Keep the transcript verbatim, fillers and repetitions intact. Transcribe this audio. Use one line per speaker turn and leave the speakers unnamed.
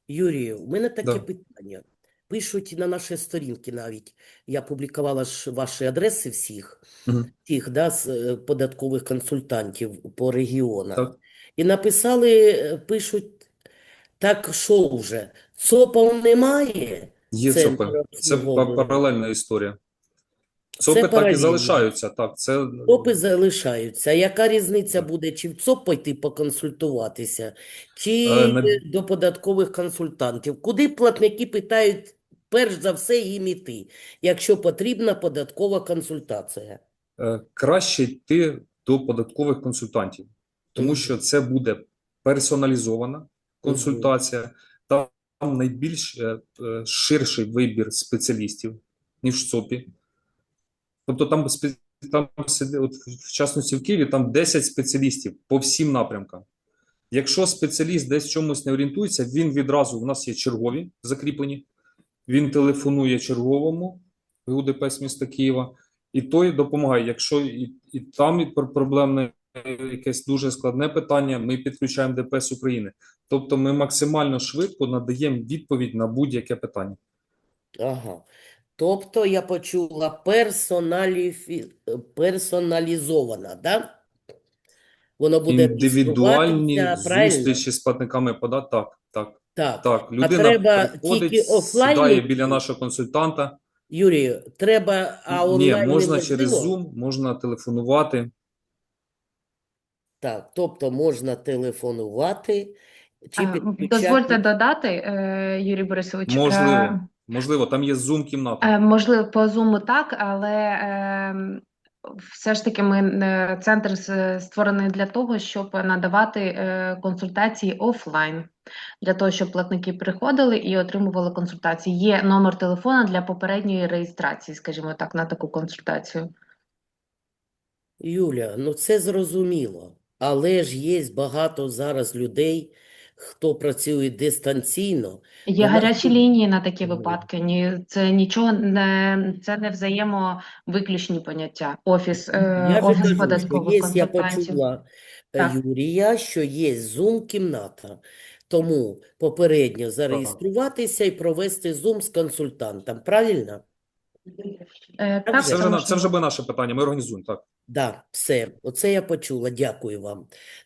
Юрію, у мене таке
Да.
питання. Пишуть на наші сторінки навіть. Я публікувала ж ваші адреси всіх,
Мгм.
тих, да, з е, податкових консультантів по регіонах.
Так.
І написали, е, пишуть, так що вже, ЦОПів немає,
Є
центр
ЦОПи. Це па-
обслуговування.
паралельна історія.
Це
ЦОПи так і
паралельно.
залишаються. Так, це
ЦОПи залишаються. Яка різниця буде, чи в ЦОП пойти поконсультуватися,
е,
чи
на-
до податкових консультантів? Куди платники питають, перш за все, їм іти, якщо потрібна податкова консультація?
е, краще йти до податкових консультантів, тому
Угу,
що це буде персоналізована
угу.
консультація, там найбільш е, е, ширший вибір спеціалістів, ніж в ЦОПі. Тобто там, спе- там сиди- от, в частності в Києві, там десять спеціалістів по всім напрямкам. Якщо спеціаліст десь в чомусь не орієнтується, він відразу, у нас є чергові закріплені, він телефонує черговому ГУ ДПС міста Києва, і той допомагає. Якщо і, і там і пр- проблемне якесь дуже складне питання, ми підключаємо ДПС України. Тобто ми максимально швидко надаємо відповідь на будь-яке питання.
Ага. Тобто я почула персоналіфі... персоналізована, да? Воно буде
Індивідуальні
реєструватися, правильно?
зустрічі з платниками подат. Так, так,
Так.
так.
А
Людина
треба
приходить,
тільки
сідає
офлайн.
біля нашого консультанта.
Юрію, треба, а
Ні,
онлайн
можна через
неможливо?
Zoom, можна телефонувати.
Так, тобто можна телефонувати чи
Е, Дозвольте
підключати.
додати, е, Юрій Борисович, е,
Можливо, можливо, там є Zoom-кімната.
е, можливо, по Zoom так, але е, все ж таки ми е, центр с- створений для того, щоб надавати е, консультації офлайн, для того, щоб платники приходили і отримували консультації. Є номер телефона для попередньої реєстрації, скажімо так, на таку консультацію.
Юля, ну це зрозуміло. Але ж є багато зараз людей, хто працює дистанційно.
Є
До нас
гарячі
тут-
лінії на такі випадки. Ні, це нічого не це не взаємовиключні поняття. Офіс, е,
Я же
офіс
кажу, що
податкових
є, я
консультантів.
почула е,
Так,
Юрія, що є Zoom-кімната. Тому попередньо
Так.
зареєструватися і провести Zoom з консультантом. Правильно?
е,
Так
так,
же?
Це
це
вже на це вже
можливо.
би наше питання. Ми організуємо так.
Да, все, оце я почула. Дякую вам.